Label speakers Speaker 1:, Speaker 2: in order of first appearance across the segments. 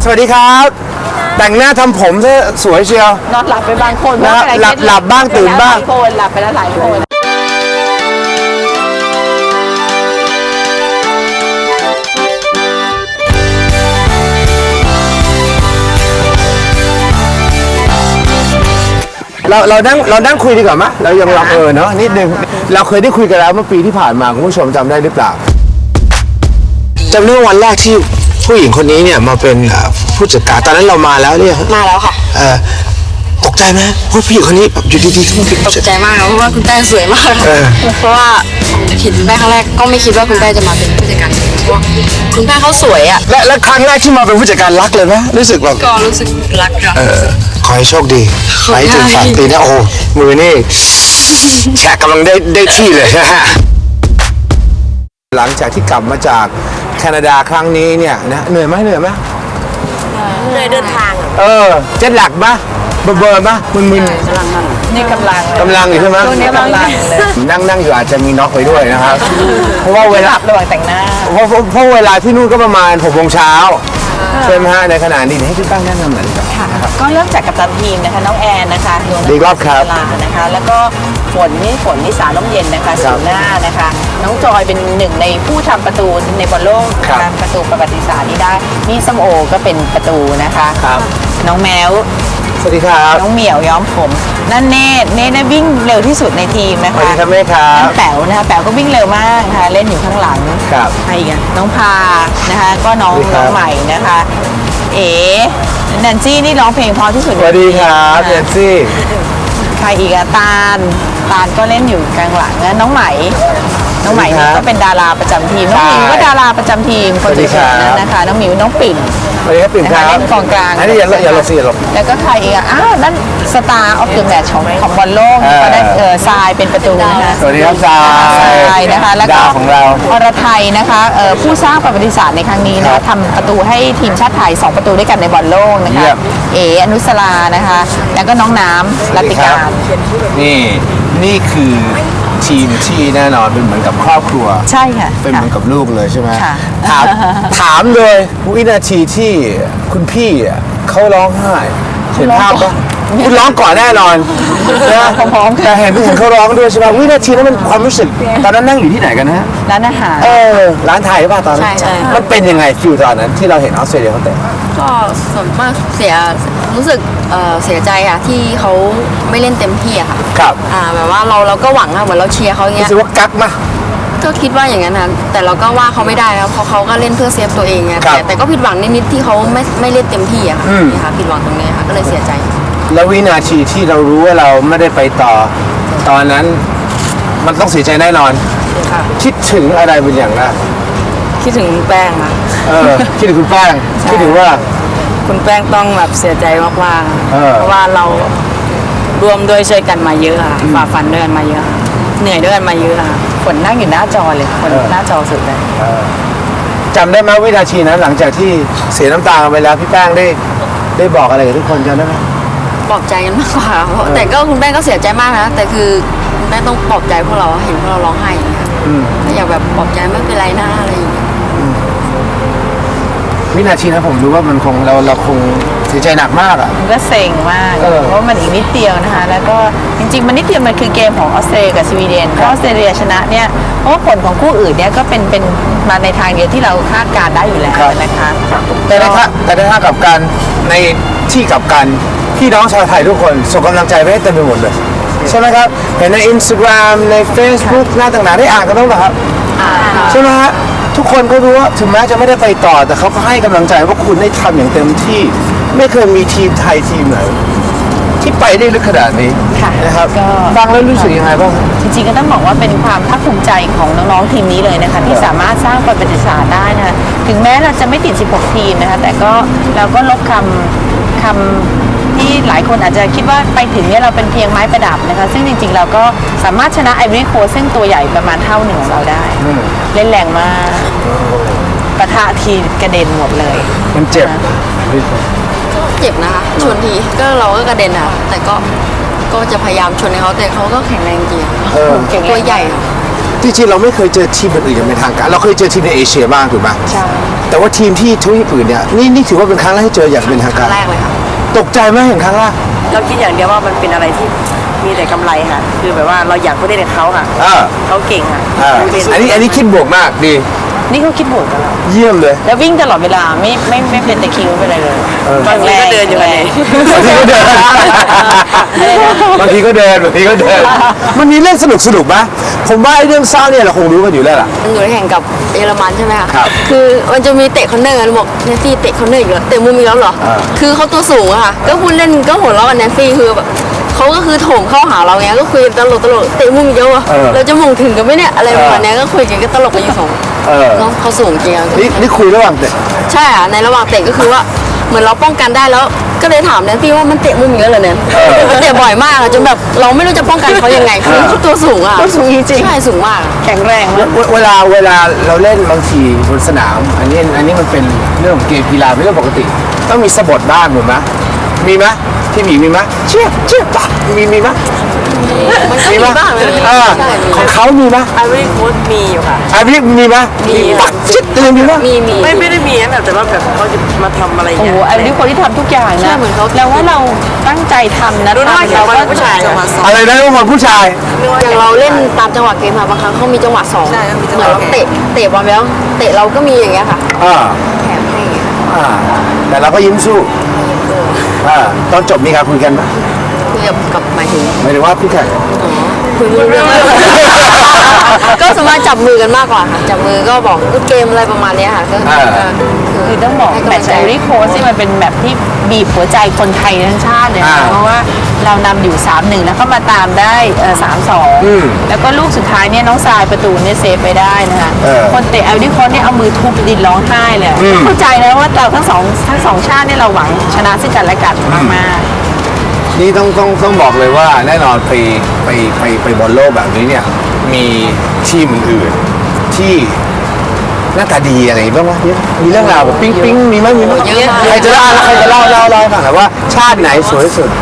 Speaker 1: วัสดีครับแต่งหน้าทำผมซะสวยเชียวน
Speaker 2: อนหลับไปบางคน
Speaker 1: นะหลับบ้างตื่นบ้าง
Speaker 2: หลับไปแล้วหลายคน
Speaker 1: เรานั่งคุยดีกว่าไหมเรายังลองเนาะนิดนึงเราเคยได้คุยกันแล้วเมื่อปีที่ผ่านมาคุณผู้ชมจำได้หรือเปล่าจำได้วันแรกที่ผู้หญิงคนนี้เนี่ยมาเป็นผู้จัดการตอนนั้นเรามาแล้วเนี่ย
Speaker 3: มาแล้วค่ะ
Speaker 1: ตกใจไหมว่าผู้หญิงคนนี้แบบอยู่ดีๆก็มาเป็น
Speaker 3: ตกใจมากเพราะว่าคุณแป้งสวยมากเพราะว่าเห็นคุณแป้งครั้งแรกก็ไม่คิดว่าคุณแป้งจะมาเป็นผู้จัดการเพราะว่าคุณแป้งเขาสวยอ่ะ
Speaker 1: และครั้งแรกที่มาเป็นผู้จัดการรักเลยไหมรู้สึกแบบ
Speaker 3: ก็รู้สึกรักค่ะ
Speaker 1: ขอให้โชคดีไปถึงฝั่งตีนะโอ้มือนี่แฉกกำลังได้ที่เลยนะฮะหลังจากที่กลับมาจากแคนาดาครั้งนี้เนี่ยนะเหนื่อยไหมเหนื่อย
Speaker 3: เลยเดินทาง
Speaker 1: เจ็ตหลักปะเบอร์ปะมึน
Speaker 2: นี่กำลัง
Speaker 1: อยู่ใช่ไหม
Speaker 2: ช่วงนี้กำลังเลย
Speaker 1: นั่งอยู่อาจจะมีน็อกไปด้วยนะครับเพราะว่าเวลา
Speaker 2: ระหว่างแต่งหน้า
Speaker 1: เพราะเวลาที่นู่นก็ประมาณ6 โมงเช้าใช่ไหมฮะในขณะนี้ให้พี่ตั้งแนะนำหน่อยดีกว่า
Speaker 2: ก็เริ่มจากกัปตันทีมนะคะน้องแอนนะคะดวง
Speaker 1: ดีรอบครับ
Speaker 2: ลานะคะแล้วก็ฝนนิสาล้มเย็นนะคะสูหน้านะคะน้องจอยเป็นหนึ่งในผู้ทำประตูในบอลโลกนะคะประตูประวัติศาสตร์นี้ได้นี่ส้มโอก็เป็นประตูนะคะน้องแมว
Speaker 1: สวัสดีครับ
Speaker 2: น้องเหมียวย้อมผมนั่นเนตวิ่งเร็วที่สุดในทีมนะคะ
Speaker 1: สวัสดีครับแม่ครับ
Speaker 2: นั่นแป๋วนะคะแป๋วก็วิ่งเร็วมากนะคะเล่นอยู่ข้างหลัง
Speaker 1: ครับ
Speaker 2: ใครอีกอะน้องพานะคะก็น้องใหม่นะคะแนนซี่นี่ร้องเพลงเพราะที่สุด
Speaker 1: สวัสดีครับแนนซี่
Speaker 2: ใครอีกอะตาลก็เล่นอยู่กลางหลังนะน้องไหมนี่ก็เป็นดาราประจำทีมน้องหมิวก็ดาราประจำทีมคนสวยๆนั้นนะคะน้องหมิวน้องปิ่น
Speaker 1: สวัสดีครับปิ่นครับ
Speaker 2: เล่นกองกลาง
Speaker 1: อันนี้อย่าหลบสิอย่าหลบ
Speaker 2: แล้วก็ใครอีกอ่ะนั่นสตาร์ออฟเดอะแมตช์ของบอลโลกก็ได้ทรายเป็นประตูนะคะ
Speaker 1: สวัสดีครับทราย
Speaker 2: นะคะแล้วก็
Speaker 1: ดาวของเรา
Speaker 2: อรไทยนะคะผู้สร้างประวัติศาสตร์ในครั้งนี้นะทำประตูให้ทีมชาติไทย2 ประตูด้วยกันในบอลโลกนะคะอนุสรานะคะแล้วก็น้องน้ำรัตติการ
Speaker 1: นี่คือทีมที่แน่นอนเป็นเหมือนกับครอบครัว
Speaker 2: ใช่ค่ะ
Speaker 1: เป็นเหมือนกับลูกเลยใช่ไหม
Speaker 2: ค่ะ
Speaker 1: ถามเลยวินาทีที่คุณพี่เขาร้องไห้เห็นภาพปะคุณร้องก่อนแน่นอนนะแต่เห็นเขาร้องด้วยใช่ไหมวินาทีนั้นมันความรู้สึกตอนนั้นนั่งอยู่ที่ไหนกันนะ
Speaker 2: ร้านอาหาร
Speaker 1: ร้านไทยป่ะตอนนั้น
Speaker 3: ใช่
Speaker 1: มันเป็นยังไงฟิลตอนนั้นที่เราเห็นออสเตรเลียเขาเตะ
Speaker 3: ก็ส่วนมากรู้สึกเสียใจอะที่เขาไม่เล่นเต็มที่อะค่ะ
Speaker 1: ครับ
Speaker 3: แบบว่าเราก็หวังอะเหมือนเราเชียร์เขาอย่างเงี้ย
Speaker 1: รู้สึกว่ากักมา
Speaker 3: ก็คิดว่าอย่างนั้นนะแต่เราก็ว่าเขาไม่ได้ครับเพราะเขาก็เล่นเพื่อเซฟตัวเองไงแต่ก็ผิดหวังนิดๆที่เขาไม่เล่นเต็มที่อะค่ะนี่ค่ะผิดหวังตรงนี้ค่ะก็เลยเสียใจ
Speaker 1: แล้ววินาทีที่เรารู้ว่าเราไม่ได้ไปต่อตอนนั้นมันต้องเสียใจแน่นอนคิดถึงอะไรเป็นอย่างแรก
Speaker 3: คิดถึงแป้งนะ
Speaker 1: คิดถึงคุณแป้งคิดถึงว่า
Speaker 3: คุณแป้งต้องแบบเสียใจมากๆเพราะว่าเรารวมด้วยช่วยกันมาเยอะค่ะฝ่าฟันด้วยกันมาเยอะเหนื่อยด้วยกันมาเยอะค่ะ
Speaker 2: ฝนนั่งอยู่หน้าจอเลยคนหน้าจอสุดเลย
Speaker 1: จำได้ไหมวินาทีนั้นหลังจากที่เสียน้ำตาไปแล้วพี่แป้งได้บอกอะไรกับทุกคนจำได้ไหม
Speaker 3: ปลอบใจกันมากกว่าแต่ก็คุณแป้งก็เสียใจมากนะแต่คือคุณแป้งต้องปลอบใจพวกเราเห็นพวกเราร้องไห้ก็อยากแบบปลอบใจไม่เป็นไรนะอะไรอย่างเงี้ย
Speaker 1: วินาทีนั้นผมรู้ว่ามันคงเราคงเสียใจหนักมากอ่ะ
Speaker 2: มันก็เซ็งมากเพราะมันอีกนิดเดียวนะคะแล้วก็จริงๆมันนิดเดียวมันคือเกมของออสเตรเลียกับสวีเดนเพราะออสเตรเลียชนะเนี่ยเพราะว่าผลของคู่อื่นเนี่ยก็เป็นมาในทางเดียวที่เราคาดการได้อยู่แล้วนะคะ
Speaker 1: แต่ในทางกับการในที่กับการพี่น้องชาวไทยทุกคนส่งกำลังใจไปให้เต็มไปหมดเลยใช่ไหมครับเห็นใน Instagram ใน Facebook หน้าต่างๆได้อ่านกันบ้างไหมครับใช่ไหมฮะทุกคนก็รู้ว่าถึงแม้จะไม่ได้ไปต่อแต่เขาก็ให้กำลังใจว่าคุณได้ทำอย่างเต็มที่ไม่เคยมีทีมไทยทีมไหนที่ไปได้ลึกขนาดนี้นะครับฟังแล้วรู้สึกยังไงบ้าง
Speaker 2: จริงๆก็ต้องบอกว่าเป็นความภาคภูมิใจของน้องๆทีมนี้เลยนะคะที่สามารถสร้างประวัติศาสตร์ได้นะคะถึงแม้เราจะไม่ติด16 ทีมนะคะแต่ก็เราก็ลบคำที่หลายคนอาจจะคิดว่าไปถึงเนี่ยเราเป็นเพียงไม้ประดับนะคะซึ่งจริงๆเราก็สามารถชนะไอวอรี่โคสต์ซึ่งตัวใหญ่ประมาณเท่าหนึ่งของเราได้เล่นแรงมากปะทะทีกระเด็นหมดเลย
Speaker 1: มันเจ็บ
Speaker 3: เจ็บนะคะชนทีก็เราก็กระเด็นอ่ะแต่ก็จะพยายามชนให้เขาแต่เขาก็แข็งแรงจริงตัวใหญ่
Speaker 1: จริงๆเราไม่เคยเจอทีมอื่นอย่างเป็นทางการเราเคยเจอทีมในเอเชียบ้างถูกไหม
Speaker 2: ใช่
Speaker 1: แต่ว่าทีมที่ทวีปอื่นเนี่ยนี่ถือว่าเป็นครั้งแรกที่เจออย่างเป็นทาง
Speaker 3: ค
Speaker 1: กา
Speaker 3: รั้
Speaker 1: รง
Speaker 3: แรกเลยค่ะ
Speaker 1: ตกใจไหมเห็นครั้งแรก
Speaker 4: เราคิดอย่างเดียวว่ามันเป็นอะไรที่มีแต่กำไรค่ะ คือแบบว่าเราอยากไปเล่นกับเขาค่ะ
Speaker 1: อ่า
Speaker 4: เขาเก่งค่ะ
Speaker 1: อันนี้คิดบวกมากดี
Speaker 2: นี่เขาคิดบวกกับเรา
Speaker 1: เยี่ยมเลย
Speaker 2: แล้ววิ่งตลอดเวลาไม่เป็นตะคริวไม่เป็นอะไรเลย
Speaker 4: บางทีก็เดินอยู่กันเลย
Speaker 1: บางทีก็เดินบางทีก็เดินมันมีเรื่องสนุกไหมผมว่าไอ้เรื่องเศร้าเนี่ยเราคงรู้กันอยู่แล้วล่ะ
Speaker 3: หนูแข่งกับเยอรมันใช่ไหมคะ
Speaker 1: ครับ
Speaker 3: คือมันจะมีเตะคอนเนอร์กันบอกแนนซี่เตะคอนเนอร์อีกแล้วเตะมุมอีกแล้วเหรอ
Speaker 1: อ่า
Speaker 3: คือเขาตัวสูงอะค่ะ ก็พูดเล่นก็หัวเราะกับแนนซี่คือแบบเขาก็คือโถมเข้าหาเราไงก็คุยกันตลกเตะมุมอีกแล้วอะเราจะมงถึงกันไหมเนี่ยอะไรประมาณเนี้ยก็คุยกันก็ตลกกันอยู่สอง เนาะเขาสูงจริงอะ
Speaker 1: นี่คุยระหว่างเตะ
Speaker 3: ใช่อะในระหว่างเตะก็คือว่าเหมือนเราป้องกันได้แล้ว ก็เลยถามแนนซี่ว่ามันเตะมุมอีกแล้วเหรอเนี่ยมันเตะบ่อยมากอะจนแบบเราไม่รู้จะป้องกันเขายังไงคือเขาตัวสูงอะ
Speaker 2: ตัวสูงจริงๆ
Speaker 3: ใช่สูงมาก
Speaker 2: แข็งแรงมาก
Speaker 1: เวลาเราเล่นบางทีบนสนาม อันนี้มันเป็นเรื่องของเกมกีฬาเป็นเรื่องปกติ ต้องมีสะบัดบ้างถูกไหมมีไหมที่หมีมีไหมเชี่ยปะมีไหม
Speaker 3: มันก็มีบ้างนะ
Speaker 1: อ่า
Speaker 3: ใช่มี
Speaker 1: ของเขามีไหม
Speaker 4: ไอวี่โค้ดมีอยู่ค่ะ
Speaker 1: ไอ้พี่มีไหม
Speaker 3: มี
Speaker 1: ปักชิดเลยมีไหม
Speaker 3: มี
Speaker 4: ไม่ได้มีนะแบบแต่ว่าแบบเขาจะมาทำอะไร
Speaker 2: โอ้
Speaker 4: เงี้
Speaker 2: โห
Speaker 4: ย
Speaker 2: ไอ้นี่คนที่ทำทุกอย่าง
Speaker 3: ใช่
Speaker 2: นะ
Speaker 3: เหมือนเขา
Speaker 2: แล้วว่าเราตั้งใจทำนะ
Speaker 4: รู้ว่า
Speaker 2: เรา
Speaker 4: เรา
Speaker 2: ก็
Speaker 4: เป็นผู้ชายจะมาสอน
Speaker 1: อะไรนะทุกคนผู้ชาย
Speaker 3: อย่างเราเล่นตามจังหวะเกมค่ะบางครั้งเขามีจังหวะสอง
Speaker 4: ใช่มี
Speaker 3: เห
Speaker 4: จังห
Speaker 3: มื
Speaker 4: วะ
Speaker 3: อนเราเตะบอลไปแล้วเตะเราก็มีอย่างเงี้ยค่ะ
Speaker 1: อ่า
Speaker 3: แถมให้อย่างเงี้ย
Speaker 1: อ่าแต่เราก็ยิ้มสู้ตอนจบมีการคุยกันไหม
Speaker 3: คุยกับหมายถึง
Speaker 1: หมายถึงว่าพี่แข่ง
Speaker 3: คุยไม่รู้เรื่องก็สามารถจับมือกันมากกว่าค่ะจับมือก็บอกลูกเกมอะไรประมาณเนี้ยค่ะก็
Speaker 2: คือต้องบอก
Speaker 3: ให้
Speaker 2: แม
Speaker 3: กำ
Speaker 2: ต
Speaker 3: ลัง
Speaker 2: ช์
Speaker 3: ใจ
Speaker 2: ไอริโคสที่มันเป็นแบบที่บีบหัวใจคนไทยทั้งชาติเลยนะ
Speaker 1: อ่า
Speaker 2: เพราะว่าเรานำอยู่ 3-1 แล้วก็มาตามได้3-2 แล้วก็ลูกสุดท้ายเนี่ยน้องทรายประตูเนี่ยเซฟไปได้นะคะ คนเตะไอริโคสเนี่ยเอามือทุบดินร้องไห้เลยเข้าใจนะว่าเราทั้งสองชาติเนี่ยเราหวังชนะซึ่งกันและกันมากๆ
Speaker 1: นี่ต้องบอกเลยว่าแน่นอนไปบอลโลกแบบนี้เนี่ยมีทีมอื่นๆที่หน้าตาดีอะไรบ้างวะมีเรื่องราวแบบปิ๊งมีไหม
Speaker 3: เยอะมาก
Speaker 1: ใครจะเล่าให้ฟังหน่อยว่าชาติไหนสวยที่สุด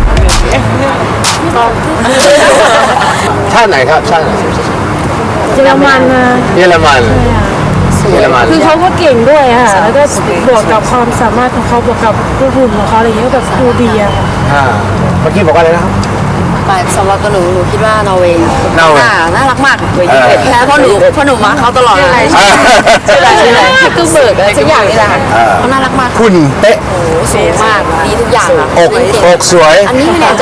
Speaker 1: ชาติไหนครับชาติไหน
Speaker 5: เยอรมันนะ
Speaker 1: เยอรมัน
Speaker 5: คือเขาก็เก่งด้วยอะค่ะแล้วก็บวกกับความสามารถของเขาบวกกับหุ่นของเขาอะไรอย่างเงี้ยก็แบบดูดีอะค่ะ
Speaker 1: เมื่อกี้บอกว่าอะไรนะครับ
Speaker 3: สำหรับตัวหนูคิดว่านอร์เวย์
Speaker 1: นอร์เวย์
Speaker 3: น่ารักมากเลยแพ้เพราะหนูมาเขาตลอดเลย
Speaker 1: ชื่ออะไร
Speaker 3: คือเบิร์กอะไรสักอย่างนี่แหละค่ะเขาน่ารักมาก
Speaker 1: คุณเป๊ะ
Speaker 3: สูงมากดีทุกอย่างค่ะ
Speaker 1: อกสวย
Speaker 3: อันนี้ไม่แน่ใจ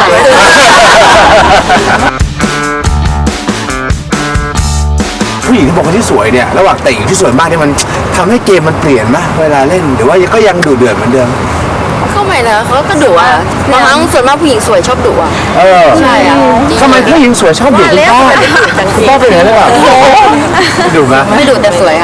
Speaker 1: ผู้หญิงที่บอกว่าที่สวยเนี่ยระหว่างเตะกับที่สวยมากเนี่ยมันทำให้เกมมันเปลี่ยนไหมเวลาเล่นหรือว่าก็ยังดุเดือดเหมือนเดิม
Speaker 3: เข้าใหม่นะเขาก็ดุอ่ะบางครั้งส่วนมากผู้หญิงสวยชอบดุอ่ะ ใช่อ่ะจริง
Speaker 1: ทำไมผู้หญิงสวยชอบดุคุณพ่อคุณพ่อเป็นอย่างนั้นหรือเปล่าดุไหม
Speaker 3: ไม่ดุแต่สวยค่ะ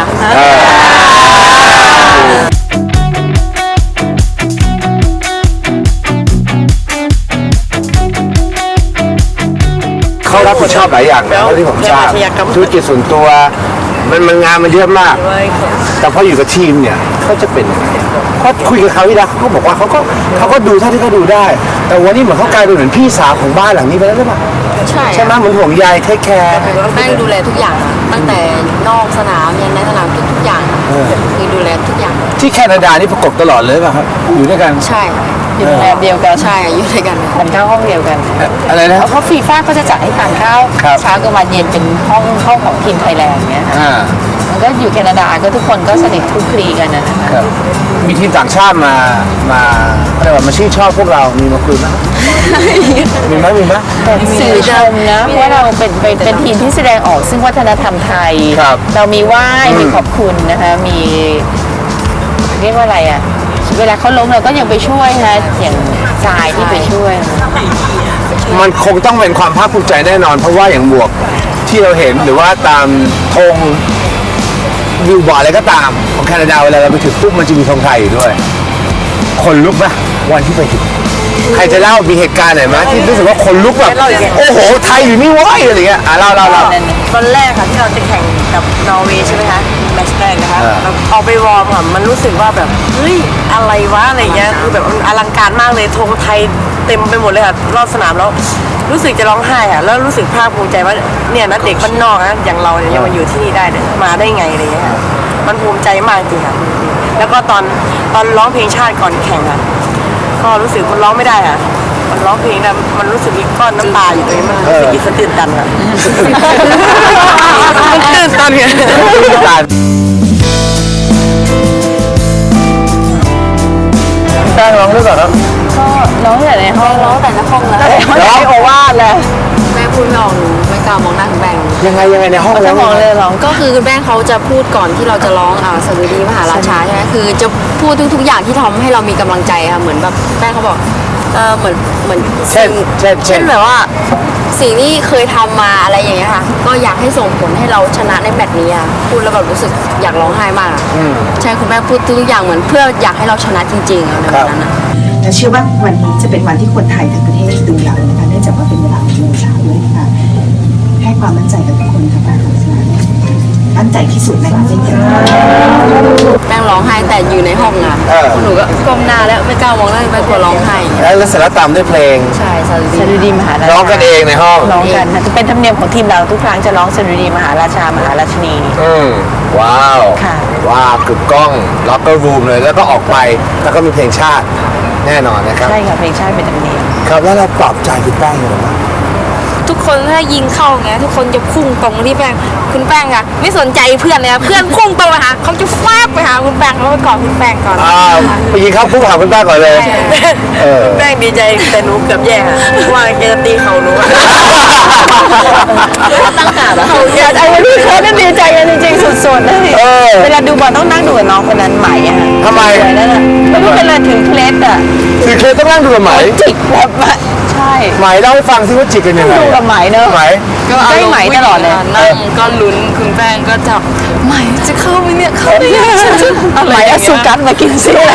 Speaker 1: เขารับผิดชอบหลายอย่างนะเท่าที่ผมทราบธุรกิจส่วนตัวมันงานมันเยอะมาก แต่พออยู่กับทีมเนี่ยเขาจะเป็นยังไงเพราะคุยกับเขาที่แล้วเขาบอกว่าเขาก็ดูเท่าที่เขาดูได้ แต่วันนี้เหมือนเขากลายเป็นเหมือนพี่สาวของบ้านหลังนี้ไปแล้วหรือเปล่า
Speaker 3: ใช่
Speaker 1: ใช่ไหมเหมือนห่วงใยเทคแคร์
Speaker 3: แม่งดูแลทุกอย่างอะตั้งแต่นอกสนามยันในสนามทุกอย่างอะคือดูแลทุกอย่าง
Speaker 1: ที่แคนาดานี่ประกบตลอดเลยป่ะครับอยู่ด้วยกัน
Speaker 3: ใช่
Speaker 2: อยู่โรงแรมเดียวกัน
Speaker 3: ใช่อยู่ด้วยกัน
Speaker 2: ทานข้าวห้องเดียวกัน
Speaker 1: อะไรนะ
Speaker 2: เพราะฟีฟ่าก็จะจัดให้ทานข้าว
Speaker 1: ครับ
Speaker 2: เช้ากลางวันเย็นเป็นห้องของทีมไทยแลนด์เงี้ยค่ะ
Speaker 1: อ่า
Speaker 2: มันก็อยู่แคนาดาก็ทุกคนก็สนิทคลุกคลีกันนะคะ
Speaker 1: ครับมีทีมต่างชาติมาอะไรวะมาชื่นชอบพวกเรามีมาคุยไหมมีไหม
Speaker 2: สื่อชมนะว่าเราเป็นทีมที่แสดงออกซึ่งวัฒนธรรมไทย
Speaker 1: ครับ
Speaker 2: เรามีไหว้มีขอบคุณนะคะมีเรียกว่าอะไรอ่ะเวลาเขาล้มเราก็ยังไปช่วยนะอย่างทรายที่ไปช่วย
Speaker 1: มันคงต้องเป็นความภาคภูมิใจแน่นอน เพราะว่าอย่างหมวกที่เราเห็นหรือว่าตามธงวิวบอร์ดอะไรก็ตามของแคนาดาเวลาเราไปถึงปุ๊บมันจะมีธงไทยอยู่ด้วย คนลุกไหมวันที่ไปถึงใครจะเล่ามีเหตุการณ์ไหนไหมที่รู้สึกว่าคนลุกแบบโอ้โหไทยอยู่นี่เว้ยอะไรเงี้ยเล่า
Speaker 4: ตอนแรกค่ะที่เราจะแข่งกับนอร์เวย์ใช่ไหมคะแมตช์แรกนะคะ
Speaker 1: อ่า
Speaker 4: เราเอาไปวอร์มค่ะมันรู้สึกว่าแบบเฮ้ยอะไรวะอะไรเงี้ยคือแบบมันอลังการมากเลยธงไทยเต็มไปหมดเลยค่ะรอบสนามแล้วรู้สึกจะร้องไห้อะแล้วรู้สึกภาคภูมิใจว่าเนี่ยนะเด็กบ้านนอกนะอย่างเราเนี่ยยังมาอยู่ที่นี่ได้เนี่ยมาได้ไงอะไรเงี้ยค่ะมันภูมิใจมากจริงค่ะแล้วก็ตอนร้องเพลงชาติก่อนแข่งอะก็รู้สึกมันร้องไม่ได้อะมันร้องเพลงนะมันรู้สึกมีก้อนน้ำตาอยู่ตรงนี้มันรู้สึกอิสตื่นตันอะมันตื่นตันไง
Speaker 1: แป้งร้องด้วยก่อนครับ
Speaker 2: ก็ร้องแต่ในห้อง
Speaker 3: ร้องแต่ในห้องแล้ว
Speaker 2: ร้องโอวาทเลย
Speaker 3: แม่พูดไม่ออกหนูไม่กล้ามองหน้าคุณแป้ง
Speaker 1: ยังไงในห้อง
Speaker 2: จะ
Speaker 1: แล้ว
Speaker 2: มองเลยร้อง
Speaker 3: ก็คือคุณแป้งเขาจะพูดก่อนที่เราจะร้องสดุดีมหาราชาใช่ไหมคือจะพูดทุกๆอย่างที่ทำให้เรามีกำลังใจค่ะเหมือนแบบแป้งเขาบอกเหมือน
Speaker 1: เช่น
Speaker 3: แบบว่าสิ่งที่เคยทำมาอะไรอย่างเงี้ยค่ะก็อยากให้ส่งผลให้เราชนะในแมตช์นี้อะพูดแล้วแบบรู้สึกอยากร้องไห้มากอะใช่คุณแป้งพูดทุกอย่างเหมือนเพื่ออยากให้เราชนะจริงๆในวันนั้นอะ
Speaker 6: และเชื่อว่าวันนี้จะเป็นวันที่คนไทยทั้งประเทศดูเรานะคะเนื่องจากว่าเป็นเวลา6 โมงเช้าด้วยค่ะให้ความมั่นใจกับทุกคนค่ะป้าของสนามมั่นใจที่สุดนะคะเช่นกัน
Speaker 3: แป้งร้องไห้แต่อยู่ในห้องอะหนูก็ก้มหน้าแล้วไม่กล้ามองหน้าไปกลัวร้องไห้
Speaker 1: แล้วเสร็จแล้วตามด้วยเพลง
Speaker 3: ใช่สดุ
Speaker 2: สดุ
Speaker 3: ดี
Speaker 2: ดีมหาราชา
Speaker 1: ร้องกันเองในห้อง
Speaker 2: ร้องกันค่ะจะเป็นธรรมเนียมของทีมเราทุกครั้งจะร้องสดุดีมหาราชามหาราชินี
Speaker 1: ว้าว
Speaker 2: ค่ะ
Speaker 1: ว้าวกึกก้องล็อกเกอร์รูมเลยแล้วก็ออกไปแล้วก็มีเพลงชาติแน่นอนนะครับ
Speaker 2: ใช่ค่ะเพลงชาติเป็นธรรมเนียม
Speaker 1: ครับแล้วเราปลอบใจคุณแป้งยังไงบ้าง
Speaker 5: ทุกคนถ้ายิงเข้าไงทุกคนจะพุ่งตรงมาที่แป้งคุณแป้งอะไม่สนใจเพื่อนเลยอะเพื่อนพุ่งตรงมาหาเขาจะฟาดไปหาคุณแป้งแล้วไปกอดคุณแป้งก่อน
Speaker 1: ไปยิงเข้าพุ่งหาคุณแป้งก่อนเลย
Speaker 4: แป้งดีใจแต่หนูเกือบแย่ค่ะว่าแกจะตีเขาหนูอะ
Speaker 3: ตั้งการอะ
Speaker 2: ไอ้วันนี้เขาก็ดีใจกันจริงๆสุดๆนะเวลาดูบอลต้องนั่งดูกับน้องคนนั้นไหมอะ
Speaker 1: ทำไม
Speaker 2: สวยนั่นน่ะไม่รู้เป็นอะไรถึงเคล็ดอะ
Speaker 1: คือเคยต้องนั่งดูกับไหม
Speaker 2: จิกแบบว่าใช่
Speaker 1: ไหมเล่าให้ฟังสิว่าจิกกันยังไง
Speaker 2: ดูกับไหมเนอะ
Speaker 1: ไหม
Speaker 2: ใกล้ไหมตลอดเลย
Speaker 3: นั่งก็ลุ้นคุณแป้งก็จับไหมจะเข้าไหมเนี่ยเข้าไหมเนี่ย
Speaker 2: ไหมเอาสุกัสมากินซิอะไร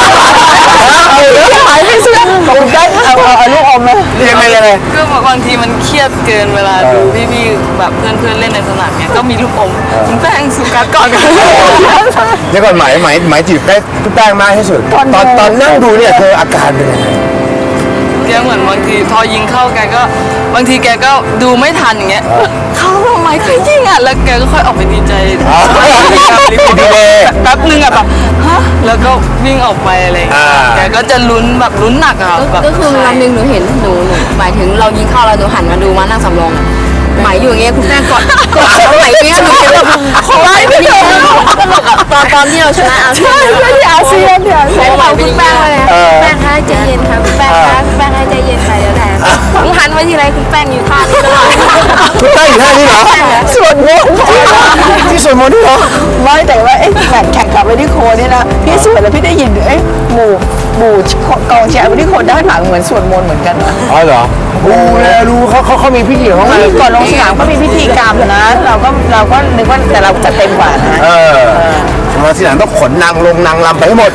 Speaker 2: หายไปซิขอบคุณได้เอาลูกอมมา
Speaker 1: ยังไง
Speaker 7: ก็บางทีมันเครียดเกินเวลาดูพี่ๆแบบเพื่อนๆเล่นในสนามเนี่ยก็มีลูกอมคุณแป้งสุกัสก่อนกัน
Speaker 1: เดี๋ยวก่อนไหมจีบได้คุณแป้งมากที่สุดตอนนั่งดูเนี่ยเธออาการเป็นยังไง
Speaker 7: แกเหมือนบางทีพอยิงเข้าแกก็บางทีแกก็ดูไม่ทันอย่างเงี้ยเข้าทำไมใครยิงอ่ะแล้วแกก็ค่อยออกไปดีใจ
Speaker 1: ดีเลย
Speaker 7: แป๊บนึงอ่ะแบบฮะแล้วก็วิ่งออกไปอะไรอย่างเงี้ยแกก็จะลุ้นแบบลุ้นหนักอ่ะแบบ
Speaker 3: ก็คือวันหนึ่งหนูเห็นหนูหมายถึงเรายิงเข้าแล้วหนูหันมาดูมานั่งสำรองอะไหมอยู่อย่างเงี้ยคุณแม่กอดไหมอย่างเงี้ยหนูเห็นแบบโค้ยไม่ได้ตลกอะตอนที่เราชนะอาเซียนที่อาเซียนเนี่ยใช่ไหมคุณแป้งเลยแป้งคะใจเย็นค่ะคุณแป้งคะคุณแป้งให้ใจเย็นค่ะเดี๋ยวแหละหนูหันมาทีไรคุณแป้งอยู่ท่านี้ตลอด
Speaker 1: คุณแป้งอยู่ท่านี้เหรอ
Speaker 2: ส่วนมนต์
Speaker 1: ที่สวนมนต์ด้วยเหรอ
Speaker 2: ไม่แต่ว่าแข่งขับไปที่โคนี่นะพี่สวดแล้วพี่ได้ยินหมู่กองเชียร์ไปที่โคด้านหลังเหมือนสวดมนต์เหมือนกันนะ
Speaker 1: อ๋อเหรอรู้เขามีพิธีของเขา
Speaker 2: ก่อนลงสนามก็มีพิธีกรรมนะเราก็นึกว่าแต่เราจะเต็มกว่านะ
Speaker 1: มาทีหลังต้องขนนางลงนางลำไปให้หมด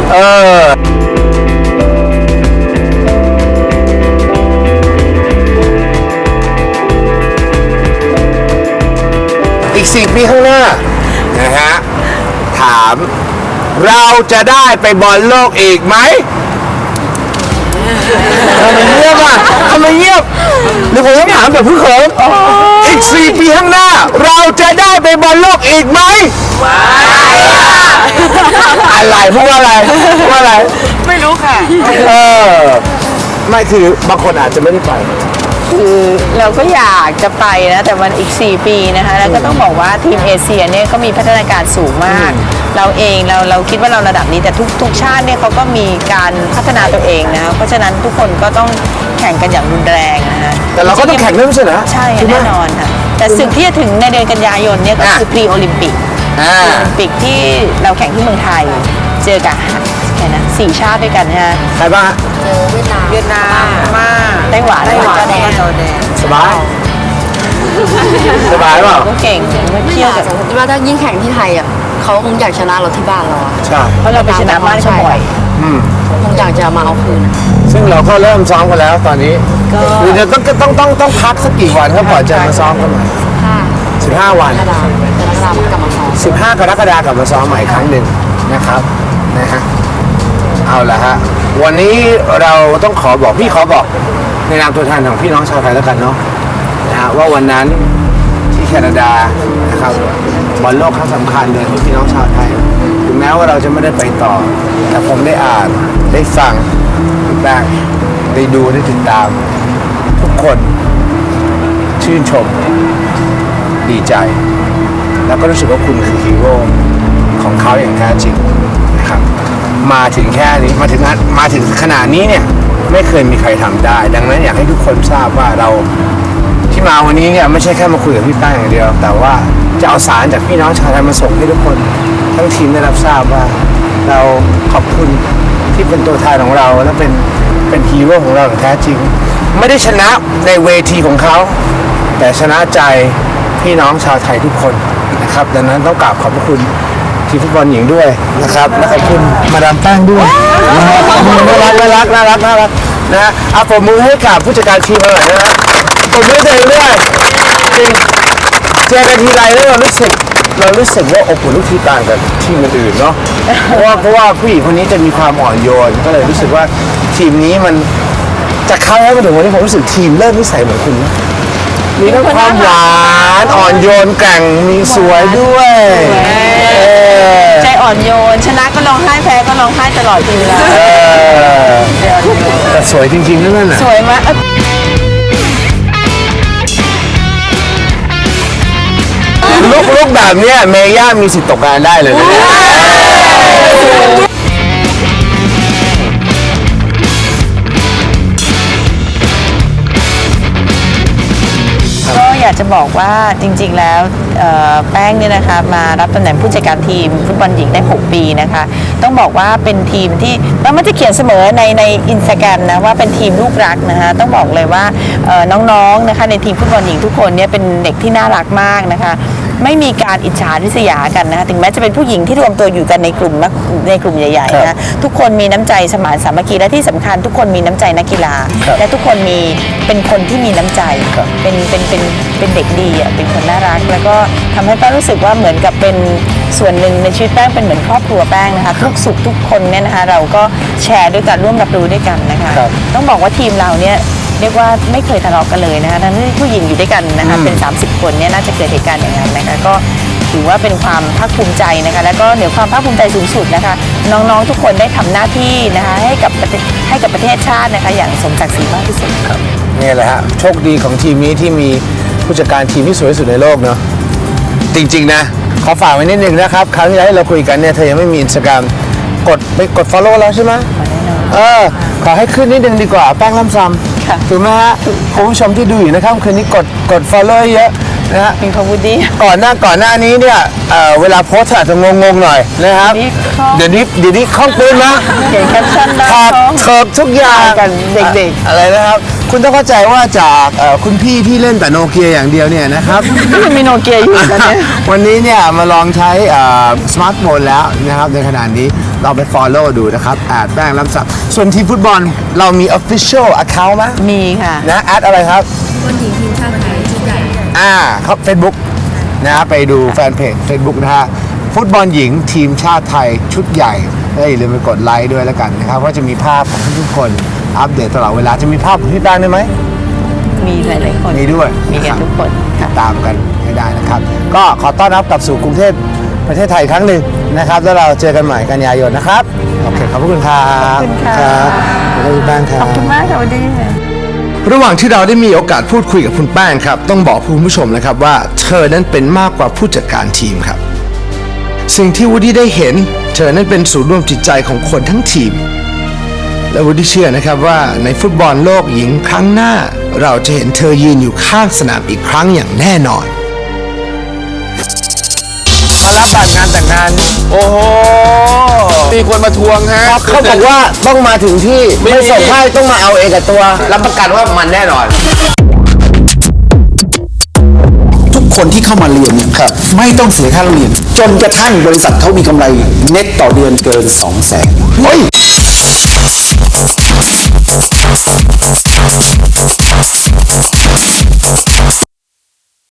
Speaker 1: อีก4 ปีข้างหน้านะฮะถามเราจะได้ไปบอลโลกอีกไหมทำไมเงียบอ่ะทำไมเงียบหรือผมต้องถามแบบผู้เขินอีก4 ปีข้างหน้า เราจะได้ไปบอลโลกอีกไหมอะไรพูดว่าอะไรพูดว่าอะไร
Speaker 7: ไม่รู้ค่ะ
Speaker 1: ไม่คือบางคนอาจจะไม่ได้ไป
Speaker 2: คือเราก็อยากจะไปนะแต่มันอีก4 ปีนะคะแล้วก็ต้องบอกว่าทีมเอเชียเนี่ยก็มีพัฒนาการสูงมาก เราเองเราคิดว่าเราระดับนี้แต่ทุกชาติเนี่ยเขาก็มีการพัฒนาตัวเองนะเพราะฉะนั้นทุกคนก็ต้องแข่งกันอย่างรุนแรงนะฮะ
Speaker 1: แต่เราก็ต้องแข่งด้วยไม่ใช่เหรอ
Speaker 2: ใช่แน่นอนค่ะแต่ศึกที่จะถึงในเดือนกันยายนเนี่ยก็คือพรีโอลิมปิกโอลิมปิกที่เราแข่งที่เมืองไทยเจอกับแค่นั้น4 ชาติด้วยกันนะฮะ
Speaker 1: ใครบ้างฮะ
Speaker 3: เจอเวียดนาม
Speaker 2: เวียดนามมาไต้หวัน
Speaker 3: จอร์แดน
Speaker 1: สบายสบายเปล่า
Speaker 2: ก็เก่งเที่ยวกับ
Speaker 3: คิดว่าถ้ายิ่งแข่งที่ไทยอ่ะเขาคงอยากชนะเราที่บ้านเราอ่ะ
Speaker 1: ใช่
Speaker 2: เพราะเราไปชนะบ้านเขาบ่อย
Speaker 3: คงอยากจะมาเอาคืนอะ
Speaker 1: ซึ่งเราก็เริ่มซ้อมกันแล้วตอนนี้หรือจะต้องพักสักกี่วันครับก่อนจะมาซ้อมกันใหม่ 15 วัน
Speaker 3: กระดาษมันกลับมาซ้อม
Speaker 1: 15 กรกฎาคมกลับมาซ้อมใหม่อีกครั้งหนึ่งนะครับนะฮะเอาละฮะวันนี้เราต้องขอบอกพี่ขอบอกนามตัวแทนของพี่น้องชาวไทยแล้วกันเนาะนะฮะว่าวันนั้นที่แคนาดานะครับบอลโลกครั้งสำคัญเลยของพี่น้องชาวไทยถึงแม้ว่าเราจะไม่ได้ไปต่อ แต่ผมได้อ่านได้ฟังได้ได้ดูได้ติดตามทุกคนชื่นชมดีใจ แล้วก็รู้สึกว่าคุณคือฮีโร่ของเขาอย่างแท้จริงนะครับมาถึงแค่นี้มาถึงขนาดนี้เนี่ยไม่เคยมีใครทำได้ ดังนั้นอยากให้ทุกคนทราบว่าเราที่มาวันนี้เนี่ยไม่ใช่แค่มาคุยกับพี่แป้งอย่างเดียว แต่ว่าจะเอาสารจากพี่น้องชาวไทยมาส่งให้ทุกคนทั้งทีมได้รับทราบว่าเราขอบคุณที่เป็นตัวแทนของเราและเป็นฮีโร่ของเราอย่างแท้จริง ไม่ได้ชนะในเวทีของเขาแต่ชนะใจพี่น้องชาวไทยทุกคนนะครับดังนั้นต้องกราบขอบพระคุณทีมฟุตบอลหญิงด้วยนะครับและขอบคุณมาดามแป้งด้วยน่ารักนะฮะเอาปรบมือให้กับผู้จัดการทีมหน่อยนะฮะปรบมือตัวเองด้วยจริงเจอกันทีไรแล้วเรารู้สึกว่าอบอุ่นทุกทีต่างกับทีมอื่นๆเนาะเพราะว่าผู้หญิงคนนี้จะมีความอ่อนโยนก็เลยรู้สึกว่าทีมนี้มันจากครั้งแรกมาถึงวันนี้ผมรู้สึกทีมเริ่มนิสัยเหมือนคุณนะมีทั้งความหวานอ่อนโยนแกร่งมีสวยด้วย
Speaker 2: ใจอ่อนโยนชนะก็ร้องไห้แพ้ก็ร้องไห้ตลอดทีเวลา
Speaker 1: แต่สวยจริงๆนั่นน่ะ
Speaker 2: สวยมาก
Speaker 1: ลุกแบบเนี้ยเมย่ามีสิทธิ์ตกงานได้เลยนะ
Speaker 2: ก็อยากจะบอกว่าจริงๆแล้วแป้งเนี่ยนะคะมารับตำแหน่งผู้จัดการทีมฟุตบอลหญิงได้ 6 ปีนะคะต้องบอกว่าเป็นทีมที่มันจะเขียนเสมอในอินสตาแกรมนะว่าเป็นทีมลูกรักนะคะต้องบอกเลยว่าน้องๆนะคะในทีมฟุตบอลหญิงทุกคนเนี่ยเป็นเด็กที่น่ารักมากนะคะไม่มีการอิจฉาริษยากันนะคะถึงแม้จะเป็นผู้หญิงที่รวมตัวอยู่กันในกลุ่มใหญ่ๆนะทุกคนมีน้ำใจสมานสามัคคีและที่สำคัญทุกคนมีน้ำใจนักกีฬาและทุกคนเป็นคนที่มีน้ำใจเป็นเด็กดีอ่ะเป็นคนน่ารักแล้วก็ทำให้แป้งรู้สึกว่าเหมือนกับเป็นส่วนหนึ่งในชีวิตแป้งเป็นเหมือนครอบครัวแป้งนะคะทุกสุขทุกคนเนี่ยนะคะเราก็แชร์ด้วยกันร่วมรับรู้ด้วยกันนะคะต้องบอกว่าทีมเราเนี่ยเรียกว่าไม่เคยทะเลาะกันเลยนะคะทั้งที่ผู้หญิงอยู่ด้วยกันนะคะเป็น30 คนเนี่ยน่าจะเกิดเหตุการณ์อย่างนั้นนะคะก็ถือว่าเป็นความภาคภูมิใจนะคะแล้วก็เหนือความภาคภูมิใจสูงสุดนะคะน้องๆทุกคนได้ทำหน้าที่นะคะให้กับประเทศชาตินะคะอย่างสมศักดิ์ศรีมากที่สุดครับ
Speaker 1: นี่แหละฮะโชคดีของทีมนี้ที่มีผู้จัดการทีมที่สวยที่สุดในโลกเนาะจริงๆนะขอฝากไว้นิดนึงนะครับคราวที่แล้วเราคุยกันเนี่ยเธอยังไม่มี Instagram กด follow แล้วใช่ไหมขอให้ขึ้นนิดนึงดีกว่าแป้งล่ำซ้ำถูกไหมฮะคุณผู้ชมที่ดูอยู่นะครับคืนนี้กด follow เยอะนะฮะ
Speaker 2: มีความวูดดี้
Speaker 1: ก่อนหน้านี้เนี่ยเวลาโพสต์อาจจะงงๆหน่อยนะครับ เดี๋ยวนี้คล่องปืนนะ
Speaker 2: เขียนแคปชั่นได้
Speaker 1: ถอดเถิบทุกอย่าง
Speaker 2: กันเด็กๆ
Speaker 1: อะไรนะครับ คุณต้องเข้าใจว่าจากคุณพี่ที่เล่นแต่โนเกียอย่างเดียวเนี่ยนะครับ
Speaker 2: มีโนเกียอยู่ตอนนี้
Speaker 1: วันนี้เนี่ยมาลองใช้สมาร์ทโฟนแล้วนะครับในขณะนี้เราไป follow ดูนะครับแป้งล้ำสับส่วนทีมฟุตบอลเรามี official account ไหม
Speaker 2: มีค่ะ
Speaker 1: นะอะไรครับฟุตบอลหญิงทีมชาติไทยชุดใหญ่ครับ Facebook นะไปดูแฟนเพจ Facebook นะฮะฟุตบอลหญิงทีมชาติไทยชุดใหญ่และอย่าลืมไปกดไลค์ด้วยแล้วกันนะครับว่าจะมีภาพของทุกคนอัปเดตตลอดเวลาจะมีภาพของพี่แป้งด้วยไหม
Speaker 2: มีหลายๆคน
Speaker 1: มีด้วย
Speaker 2: มีกันทุกคน
Speaker 1: ติดตามกันให้ได้นะครับ ก็ขอต้อนรับกลับสู่กรุงเทพประเทศไทยอีกครั้งหนึ่งนะครับแล้วเราเจอกันใหม่กันยายนนะครับโอเคขอบคุณครับ
Speaker 2: ขอบคุณค่ะ
Speaker 1: ครับขอบคุณแป้งครับ
Speaker 2: ขอบคุณมากค่ะวันนี้
Speaker 1: ระหว่างที่เราได้มีโอกาสพูดคุยกับคุณแป้งครับต้องบอกคุณผู้ชมนะครับว่าเธอนั้นเป็นมากกว่าผู้จัดการทีมครับสิ่งที่วูดดี้ได้เห็นเธอนั้นเป็นศูนย์รวมจิตใจของคนทั้งทีมและวูดดี้เชื่อนะครับว่าในฟุตบอลโลกหญิงครั้งหน้าเราจะเห็นเธอยืนอยู่ข้างสนามอีกครั้งอย่างแน่นอนมารับบัตรงานแต่งงานโอ้โหมีคนมาทวงฮะเขาบอกว่าต้องมาถึงที่ไม่ส่งให้ต้องมาเอาเองกับตัวรับประกันว่ามันแน่นอน
Speaker 8: ทุกคนที่เข้ามาเรียนไม่ต้องเสียค่าเรียนจนกระทั่งบริษัทเขามีกำไรเน็ตต่อเดือนเกิน 200,000 เฮ้ย